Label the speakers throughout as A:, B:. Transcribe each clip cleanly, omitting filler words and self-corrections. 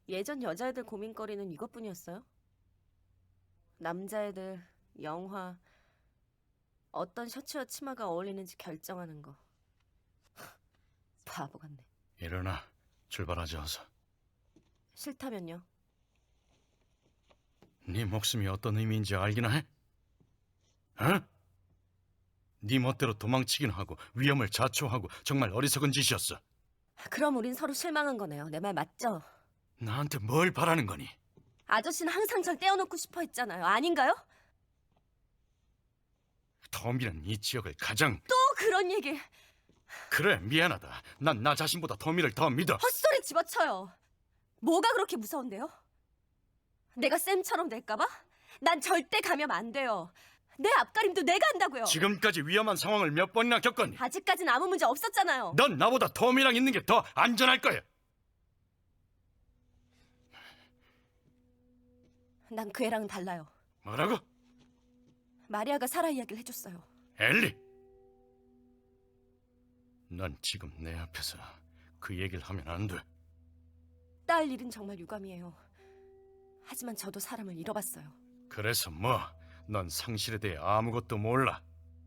A: 예전 여자애들 고민거리는 이것뿐이었어요? 남자애들, 영화, 어떤 셔츠와 치마가 어울리는지 결정하는 거. 바보 같네.
B: 일어나. 출발하자 어서.
A: 싫다면요?
B: 네 목숨이 어떤 의미인지 알기나 해? 어? 네 멋대로 도망치긴 하고 위험을 자초하고 정말 어리석은 짓이었어.
A: 그럼 우린 서로 실망한 거네요. 내 말 맞죠?
B: 나한테 뭘 바라는 거니?
A: 아저씨는 항상 절 떼어놓고 싶어 했잖아요. 아닌가요?
B: 터미는 이 지역을 가장...
A: 또 그런 얘기.
B: 그래, 미안하다. 난 나 자신보다 터미를 더 믿어.
A: 헛소리 집어쳐요. 뭐가 그렇게 무서운데요? 내가 쌤처럼 될까봐? 난 절대 가면 안 돼요. 내 앞가림도 내가 한다고요.
B: 지금까지 위험한 상황을 몇 번이나 겪었니?
A: 아직까진 아무 문제 없었잖아요.
B: 넌 나보다 터미랑 있는 게 더 안전할 거야.
A: 난 그 애랑은 달라요.
B: 뭐라고?
A: 마리아가 살아 이야기를 해줬어요.
B: 엘리! 난 지금 내 앞에서 그 얘기를 하면 안 돼.
A: 딸 일은 정말 유감이에요. 하지만 저도 사람을 잃어봤어요.
B: 그래서 뭐? 넌 상실에 대해 아무것도 몰라.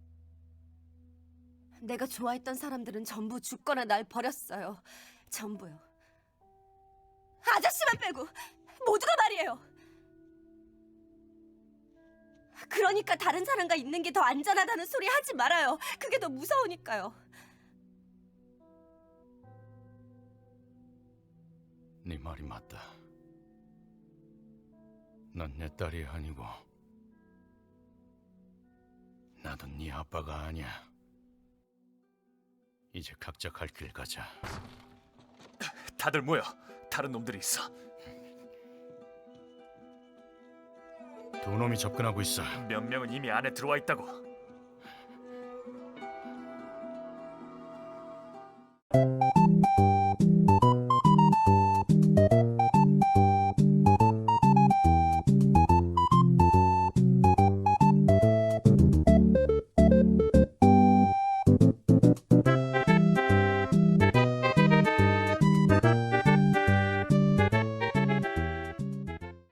A: 내가 좋아했던 사람들은 전부 죽거나 날 버렸어요. 전부요. 아저씨만 빼고 모두가 말이에요. 그러니까 다른 사람과 있는 게 더 안전하다는 소리 하지 말아요. 그게 더 무서우니까요.
B: 네 말이 맞다. 난 내 딸이 아니고 나도 네 아빠가 아니야. 이제 각자 갈 길 가자.
C: 다들 모여. 다른 놈들이 있어.
B: 두 놈이 접근하고 있어.
C: 몇 명은 이미 안에 들어와 있다고.